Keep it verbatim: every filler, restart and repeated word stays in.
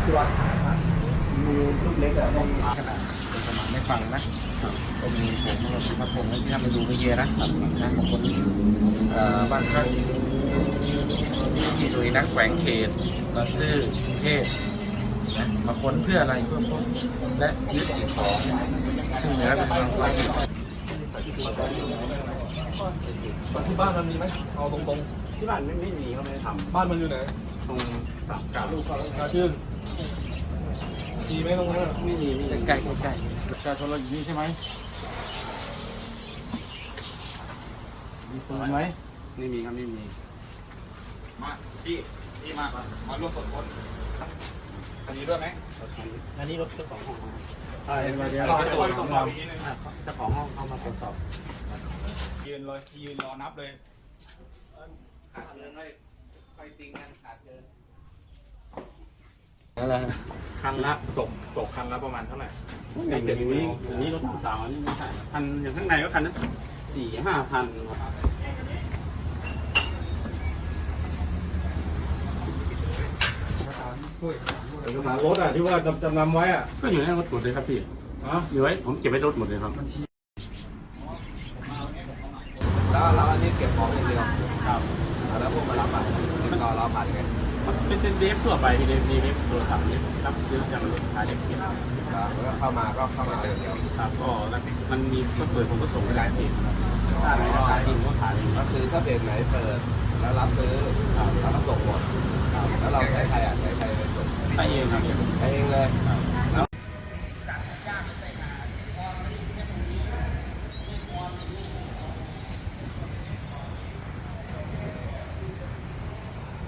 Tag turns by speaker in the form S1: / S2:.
S1: มีลูกเล็กอะไม่ขนาดเป็นสมานไม่ฟังนะก็มีผมมาผมที่ทำไปดูไปเยอะนะนะของคนบ้านก็ที่ดุยนักแขวงเขตบางซื่อเทพนะมาค้นเพื่ออะไรเพื่อพบและยึดสิ่งของซึ่งเหนือเป็นทางความผิด
S2: ที่บ้านมันมีไหมเอาตรงๆ
S1: ที่บ้านไม่ไม่มีเขาไม่ได้ท
S2: ำบ้านมันอยู่ไหน
S1: ำตรงสามกาลูกเขา
S2: ชื่นมีไหมตรงนั้น
S1: ไม่มีใกล้ใกล้ประชาชนเราอยู่นี่ใช่ไหมมีปืนไหมไม่มีครับไม่มี
S2: มาพี่พี่มาก่อนมาร่วมตรวจค้นอันนี้ด้วยไหม
S1: อันนี้รถเจ้าของห้อง
S2: อ่าเดี๋ยวเดี๋ยวตรวจสอบอีกทีนึง
S1: เจ้าของห้องเข้ามาตรวจสอบ
S2: ยืนรอยืนรอนับเลย
S1: ขาดเกินเลยไฟติงกันขาดเกินนั่นแหละ
S2: คันละตกตกคันละประมาณเท่าไหร่
S1: ในเจ็ดนี้อันนี้รถสาวนี่ไม่ใช่คันอย่างข้างในก็คันนั้นสี่ห้าพัน
S3: เอกสารรถอ่ะที่ว่าจำนำไว้อ่ะ
S1: ก็อยู่ในรถหมดเลยครับพี่อยู่ไว้ผมเก็บไว้รถหมดเลยครับ
S3: แล้วเราอันนี้เก็บของอย่างเดียวครับแล้วพวกมารับอ่ะติดต่อเราผ่านไง
S1: เป็นเป็นเว็บทั่วไปเว็บเว็บโทรศัพท์เว็บรับซื้อจากรถขายเก็บเก็บ
S3: ครับแล้วเข้ามาก็เข้ามาเดียว
S1: ครับก็มันมีก็เปิดผมก็ส่งไปหลายเพจถ้าไหนขายจริงก็ขาย
S3: ก็คือถ้าเพจไหนเปิดแล้วรับซื้อแล้วก็ส่งหมดแล้วเราใช้ใครอ่ะใช้ใครไปส่ง
S1: ใช้เองครับ
S3: ใช้เองเลย